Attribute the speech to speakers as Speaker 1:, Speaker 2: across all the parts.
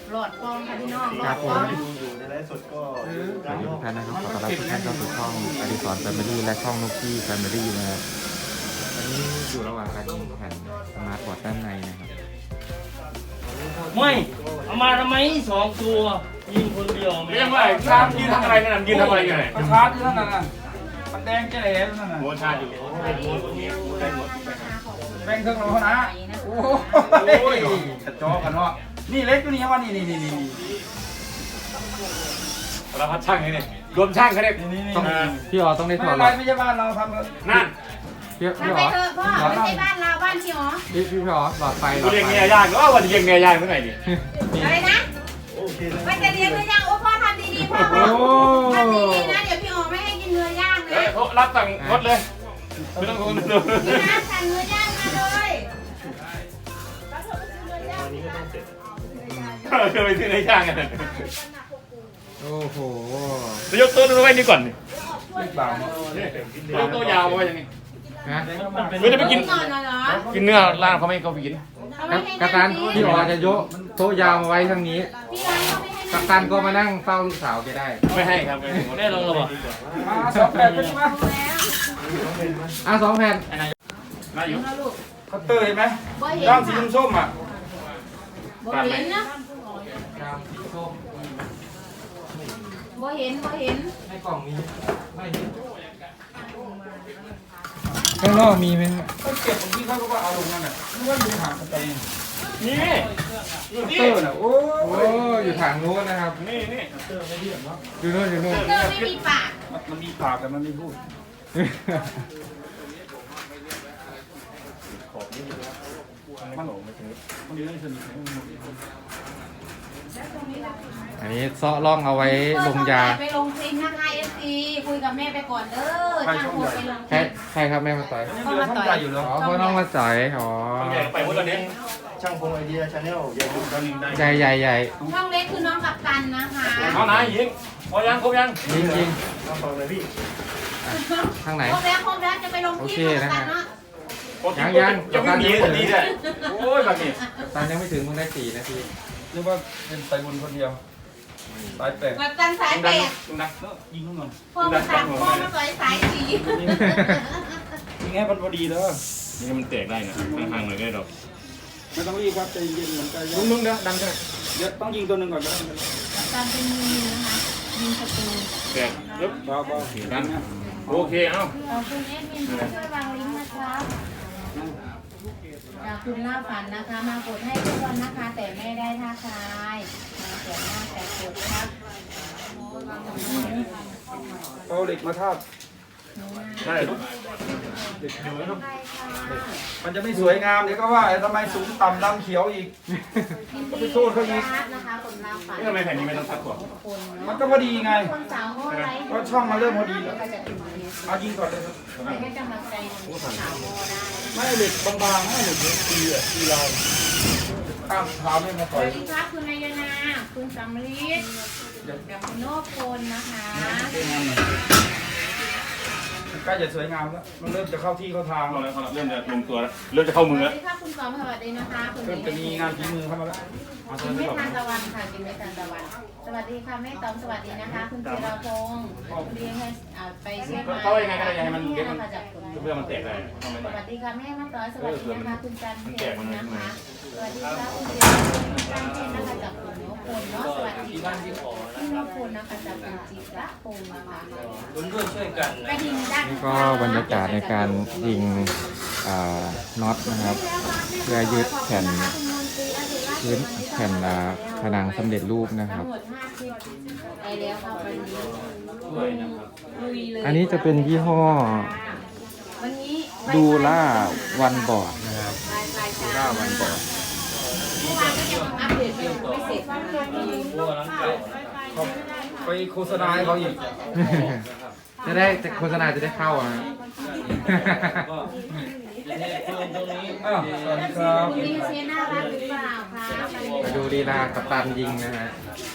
Speaker 1: หลอดฟองค่ะพี่น้องหล
Speaker 2: ค
Speaker 1: อ
Speaker 2: รั
Speaker 1: ด
Speaker 2: บ
Speaker 1: ฟ
Speaker 2: ผ
Speaker 1: อ
Speaker 2: ม
Speaker 1: ง
Speaker 3: อยู่ในไลฟ์สดก็
Speaker 2: สวัสดีทุกท่านนะครับขอต้อนรับทุกท่านเข้าสู่ช่องอดิศรแฟมิลี่และช่องนุกกี้แฟมิลี่นะครับวันนี้อยู่ระหว่างการยิงแผ่นสมาร์ทบอร์ดด้านในนะครับ
Speaker 4: ไม่เอามาทำไม2 ตัวยิงคนเดียว
Speaker 5: ไม่ยังไงชาร์จยืนทำอะไรกันน่ะยืนทำอะไรกันไหน
Speaker 6: ชาร์จอยู่นั่นน่ะมันแดงแจ๋เลยนั่นน่ะ
Speaker 5: โมชาร์จอยู่
Speaker 6: แบ่งเครื่องเรานะโอ้ยกระจอกกันเนาะนี่เล็กตัวนี้ว่านี่
Speaker 5: เราพัดช่างนี่รวมช่างเขาเนี่ย
Speaker 2: ต้องพี่อ๋อต้องได้
Speaker 6: ไม่
Speaker 2: ถอ
Speaker 6: เป็
Speaker 2: ด
Speaker 6: นไรไม่ใช่บ้านเราทำเลย
Speaker 5: นั่น
Speaker 2: พี่
Speaker 1: ทำไป
Speaker 2: อ๋อ
Speaker 1: เถอะพ่อไม่ใช่บ้านเราบ้านพี่อ๋อ
Speaker 2: พี่อ๋อหลอดไฟหล
Speaker 5: กู
Speaker 2: อด
Speaker 5: เรียก
Speaker 2: ไฟ
Speaker 5: เมียย่างก็วันเรียกเมียย่างเมื่อไหร่ดิ
Speaker 1: อะไรนะ
Speaker 3: โอเคนะ
Speaker 1: ว่าจะเลี้ยงเนื้อย่างโอ้พ่อทำดีๆพ่อทำดีๆนะเดี๋ยวพี่อ๋อไม่ให้กินเนื้อย่าง
Speaker 5: เฮ้
Speaker 1: นะ
Speaker 5: ยเขารับสั่งรถเลยไม่ต้องดู
Speaker 1: พี่น้ำสั่งเนื้อย่างมาเลย
Speaker 3: วันนี้ก็ต้องเสร็จ
Speaker 5: เคยไปซื้อในย่างกัน
Speaker 2: โอ้โห
Speaker 5: จะยกตัวดูไว้นี่ก่อน
Speaker 6: เล็กบ่าว
Speaker 5: ยกตัวยาวไว้ยังไง
Speaker 2: นะ
Speaker 5: ไม่ได้ไปกิน
Speaker 1: ก่อนเหรอ
Speaker 5: กินเนื้อร้านเขาไม่เขาไปกิน
Speaker 1: เขาไม่ให้
Speaker 2: กัปตันพี่อ๋อจะยกโต๊ะยาวมาไว้ทางนี้
Speaker 1: พี่ร้านเขาไม่ให้
Speaker 2: กัปตันก็มานั่งเฝ้าลูกสาวแกได้
Speaker 5: ไม่ให้ครับ
Speaker 4: แม่ลงแล้วบ่
Speaker 6: มา2 แบบเป็นไหม
Speaker 2: อ่ะ2 แผ่น
Speaker 5: น่าอยู่
Speaker 6: เขาเตยไหม
Speaker 1: บ่เห็น
Speaker 6: ด้านสีส้มอ่ะ
Speaker 1: บ่เห็นนะ
Speaker 2: ครับส้ม
Speaker 1: บ่เห็นบ่เห็น
Speaker 2: ในกล่องมีไม่มีข้างนอกมีไหมครับ
Speaker 6: เขาเก็บตรงที่เขาก็ว่าเอาลงนั่นน่ะนึกว่าอยู่ห่างกันเอง
Speaker 5: นี่อยู่นี่
Speaker 6: เตอร์น่ะโอ้
Speaker 2: โอ้อยู่ทางนู้นนะครับ
Speaker 5: นี่
Speaker 2: อยู่นู่นอยู่นู่น
Speaker 1: เธอไม่มีปาก
Speaker 6: มันมีปากแต่มันไม่พูด มันอยู่ในสนิท
Speaker 2: อันนี้เซาะร่องเอาไว้ลงยา
Speaker 1: ไปลงคลิปนะคะ FC คุยกับแม่ไปก่อนเด้อจ้างโหดไปลงค
Speaker 2: ใคร
Speaker 1: ลิป
Speaker 2: ใครครับแม่มาต่อย
Speaker 6: ยังเหลือช่องใหญ่อยู่เหรอ
Speaker 2: อ๋อพ่อน้องมาจ่อยอ๋อ
Speaker 5: ใหญ่ไปหมดแล้วเนี่ย
Speaker 3: ช่างพงไอเดียชาแนลอย่าลืมกันได้
Speaker 2: ใหญ่ใหญ่ใหญ่
Speaker 1: ช่องเล็กคือน้องกัปตันนะคะ
Speaker 5: เอาไหนยิงพอยังครบยัง
Speaker 2: ยิงยิง
Speaker 3: มาฟังเลยพี่
Speaker 2: ทางไหน
Speaker 1: ครบแล้วจะไปลงคลิปกับกัปตันเนาะ
Speaker 5: ยังไม่มีสักทีเลยโอ้ยแบบนี้
Speaker 2: กัปตันยังไม่ถึงมึงได้4 นาที
Speaker 6: นึกว่าเป็นไตบุญคนเดียวสายแปลก
Speaker 1: กัปตันสายแปด
Speaker 5: ดัง
Speaker 6: ยิงนู่นก่อน
Speaker 1: พ่อมาตัดพ่อมาต่อยสายสี
Speaker 6: ยิงให้มันพอดีแล้ว
Speaker 5: นี่มันแตกได้นะห่างๆหน่อยก็ได้ดอก
Speaker 6: ไม่ต้องรีบครับใจเย็นเหมือนกัน
Speaker 5: นุ่มๆเด้อดังใช่ไหม
Speaker 6: เดี๋ยวต้องยิงตัวหนึ่งก่อนก็ได้
Speaker 1: กัปตันเป็นมือนะคะยิงศัตรู
Speaker 5: แตกปึ๊บ
Speaker 6: เบา
Speaker 5: ดังโอเคเอ้า
Speaker 1: ขอบคุณแอดมินที่ช่วยวางลิงก์นะครับจากคุณล่าฝันนะคะ มากดให้ทุกคนนะคะ แต่ไม่ได้ท่าทายมาเสียหน้าแต่กดครับ
Speaker 6: ๆเอาเหล็กมาทาบ
Speaker 5: ใช่
Speaker 6: มันจะไม่สวยงามเดี๋ยวก็ว่าทำไมสูงต่ำดำเขียวอีก
Speaker 1: ก็ไปโทษเขาอีกนะคะคนล่าฝัน
Speaker 5: นี่ทำไมแผ่นนี้ไม่ต้องซักก่อน
Speaker 1: คน
Speaker 6: มัน
Speaker 1: เนาะ
Speaker 6: ก็พอดีไง
Speaker 1: คนสาวเขาอะไร
Speaker 6: ก็ช่องมันเริ่มพอดีแล้ว
Speaker 1: ก็จะถึงนี้
Speaker 6: เอายิงก่อนเลย
Speaker 1: แต่ให้กำลังใจสาวโมได้
Speaker 6: ไม่เหล็กบางๆไม่เหล็กตีอ่ะตีลายข้ามเท้าไม่มา
Speaker 1: ส
Speaker 6: ต่อย
Speaker 1: วัสดีครับคุณนายนาคุณสำลีดกับคุณโนพลนะคะ
Speaker 6: ใกล้จะสวยงามแล้วมันเริ่มจะเข้าที่เข้าทาง
Speaker 5: เอา
Speaker 6: แล้ว
Speaker 5: แล้วเริ่มจะลงตัวแล้วเริ่มจะเข้ามือ
Speaker 1: สวั
Speaker 5: แล้ว
Speaker 1: สดีค่ะคุณสอมสวัสดีนะคะคุณ
Speaker 6: เริ่มจะมีงานฝีมือเข้ามาแล้ว
Speaker 1: กินไม่ทานตะวันค่ะกินไม่ทานตะวัน สวัสดีค่ะแม่ตอมสวัสดีนะคะ คุณเจราพงศ์เลี้ยงให้ไปเช็คมา
Speaker 5: เขายังไงก็ได้ยังไงมันเดี๋ยวมัน
Speaker 1: นะคะจากคุณ
Speaker 5: เพื่อมันแตกได้ทำไม
Speaker 1: สวัสดีค่ะแม่มาต่อสวัสดีนะคะคุณจันเพชรนะคะ สวัสดีค่ะคุณเจราพงศ์คุณจันเพชรนะคะจากคุณนพพลเนาะสวัสดีค่ะพี่นพพลนะคะจากคุณจิระพงศ์นะคะ
Speaker 4: คุณด้วยช่วยกัน
Speaker 1: กระดิ่งดัง
Speaker 2: นี่ก็บรรยากาศในการยิงน็อตนะครับเพื่อยึดแผ่นพื้นแผ่นผนังสำเร็จรูปนะครับ
Speaker 1: ทั้งหมด50ไปแล้วค่ะวันนี้
Speaker 4: ช่วยนะครับ
Speaker 1: ลุยเลย
Speaker 2: อันนี้จะเป็นยี่ห้อ
Speaker 1: วันนี้
Speaker 2: ดูล่าวันบอร์ดนะครับ
Speaker 1: ดู
Speaker 2: ล่าวันบอร์ด
Speaker 1: เมื่อวานก็ยังอัปเดตไม่เสร็จนะคะ
Speaker 4: พวกนั้นเก่า
Speaker 6: เขาไปโฆษณาให้เขาอีก
Speaker 2: จะได้โฆษณาจะได้เข้าอ่ะ
Speaker 4: ก็เนี่ยเพิ่มตรงนี้
Speaker 6: อ้าวสวัสดีครับ
Speaker 1: คุณลีเซียน่ารักหรือเปล่าคะ
Speaker 2: มาดูลีลากัปตันยิงนะฮะ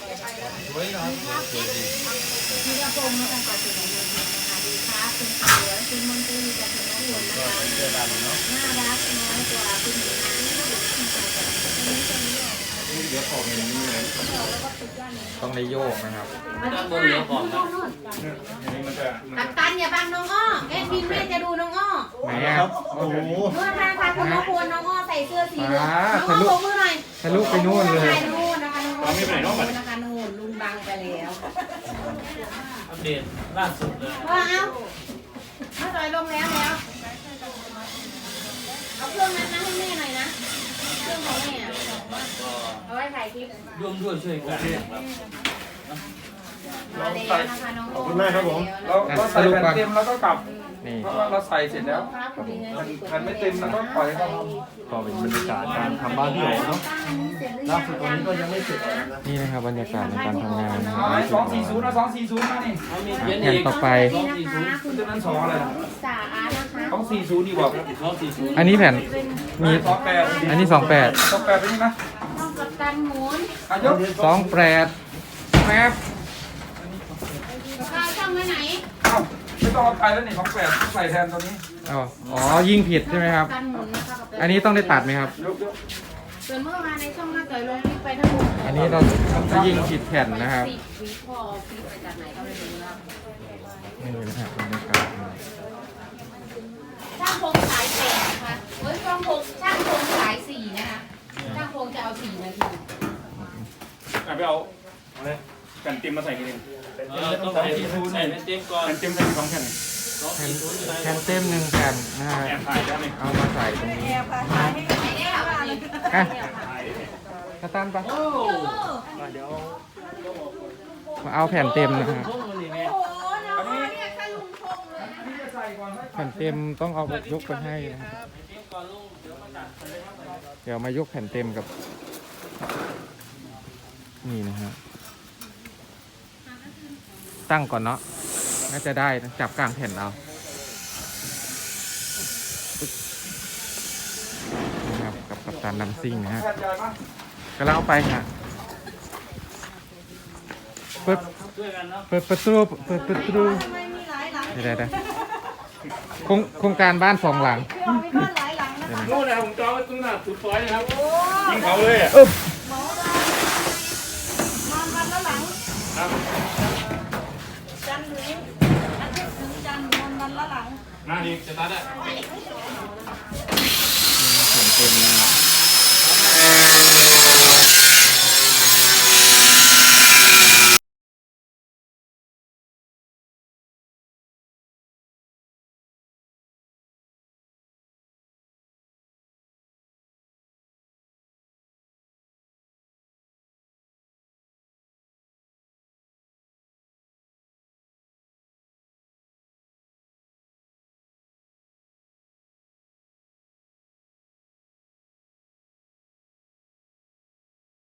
Speaker 1: พี่กระโปรงนะคะขอเสียงปรบมือนะคะดีค่ะคุณเสือคุณมนตรีจากคุณน้องหลวงนะคะน่ารักน้อยกว่าคุณหญิงที่สุดที่สุด
Speaker 3: เดี๋ยวขอบเงินนี่เลย
Speaker 2: ต้องได้โยกนะครับ
Speaker 4: ด้านบนเหลือของนะ
Speaker 3: อันนี้มันจะ
Speaker 1: กัปตันอย่าบังน้องอ้อเอ็ดมินแม่จะดูน้องอ้อ
Speaker 2: ไหนอ่ะ
Speaker 3: โอ้โห
Speaker 1: นู่นค่ะคุณนกพลน้องอ้อใส่เสื้อสีเหลืองน้องอ้อโบกมือหน่อย
Speaker 2: ทะลุไปนู่นเลย
Speaker 1: นู่นนะคะน้องอ้อนะคะนู่นลุงบังไปแล้ว
Speaker 4: อัปเดตล่าสุดเลย
Speaker 1: ว่าเอามาจอยลงแล้วเอาเครื่องนั้นนะให้แม่หน่อยนะเครื่องของแม่เอาไว้ถ่ายคลิป
Speaker 4: ร่วมด้วยช่วยกันนะครับ
Speaker 1: มาแล้วนะคะน้อง
Speaker 3: ขอบคุณมากครับผม
Speaker 6: เราใส่แผ่นเต็มแล้วก็กลับ
Speaker 2: นี่
Speaker 6: เพราะว่าเราใส่เสร็จแล้วแผ่นไม่เต็มแล้วก็ปล่อยให้เขา
Speaker 3: ก็เป็นบรรยากาศการทำบ้านพี่โอ๋เนาะล่าสุดตอนนี้ก็ยังไม่เสร็จนะ
Speaker 2: นี่นะครับบรรยากาศในการทำงานนะค
Speaker 6: เอา
Speaker 2: รับ
Speaker 6: ให้240นะ240มานี่
Speaker 4: เอามีเขียน
Speaker 2: แผ่น
Speaker 4: อีก
Speaker 2: ต่อไป
Speaker 1: นี่นะคะคุณ
Speaker 6: ตัวนั้น2อะไร
Speaker 1: สาอานะคะ
Speaker 6: 240ดีกว่า
Speaker 4: 240
Speaker 2: อันนี้แผ่นมี
Speaker 6: 28
Speaker 2: อันนี้28
Speaker 6: 28ไปนี่นะ
Speaker 1: ต้องกับตันหมุน
Speaker 6: อายก
Speaker 2: 28แป๊บ
Speaker 1: ข้าวช่องไว้ไหน
Speaker 6: เอ้าไม่ต้องเอาไปแล้วนี่28ใส่แทนตัวนี้
Speaker 2: อ๋อยิงผิดใช่ไหมครับ
Speaker 1: ตันหมุนนะคะกับ
Speaker 2: อันนี้ต้องได้ตัดไหมครับ
Speaker 6: ยก
Speaker 1: ส่วนเมื่อวานในช่องมาต่อยลงคลิปไปทั้งหมด
Speaker 2: อันนี้เราจะยิงผิดแผ่นนะครับ
Speaker 1: 10 วิพอคลิปไปจากไหนก็ไม่รู้นะ
Speaker 2: นี่นะครับบรรยากาศ
Speaker 1: ช่างพงสาย8นะคะเฮ้ยช่างพงสาย4นะคะช่างพงจะเอา4 นาที
Speaker 3: ไปเอาอะไรกันเต็มมาใส่กันเอง
Speaker 4: ต้องใส่ใส่เป็นเต็มก่อน
Speaker 3: กันเต็มใส่2แผ่น
Speaker 2: แผ่นเต็ม1แผ่นนะฮะ
Speaker 3: แอบถ่ายได้ไหม
Speaker 2: เอามาใส่ตรงนี้
Speaker 1: ไม่ได้เอาอันนี้
Speaker 2: อ่ะกระตันปะ
Speaker 4: โอ้
Speaker 3: เดี๋ยว
Speaker 2: มาเอาแผ่นเต็มนะฮะ
Speaker 4: พวกมันนี่แม่
Speaker 6: อันนี้นี่จะใส่ก่อน
Speaker 2: แผ่นเต็มต้องเอายกไปให้นะครับ
Speaker 4: เต็มก่อนลุงเดี๋ยวมาตัดไปเลยครับ
Speaker 2: เดี๋ยวมายกแผ่นเต็มกับ นี่นะฮะตั้งก่อนเนาะน่าจะได้นะจับกลางแผ่นเอานะครับกับกัปตันดัมซิ่งนะฮะ
Speaker 6: แผ่นใหญ่มาก
Speaker 2: ำลังเอาไปฮะเปิด
Speaker 4: ช่วยกันเนาะ
Speaker 2: เปิดประตูเดี๋ยวโครงการบ้าน2 หลังเดี๋ยวนะ
Speaker 3: โน่นนะครับผมจองไว้ตรงหน้าสุดซอยนะครับยิงเขาเลยอ่ะ
Speaker 2: อึ๊บ
Speaker 1: นอนวันละหลัง
Speaker 3: ครับ
Speaker 1: จันทร์ถึงอาทิตย์ถึงจันทร์นอนวันละหลัง
Speaker 3: มาดิจะตัดอ่ะ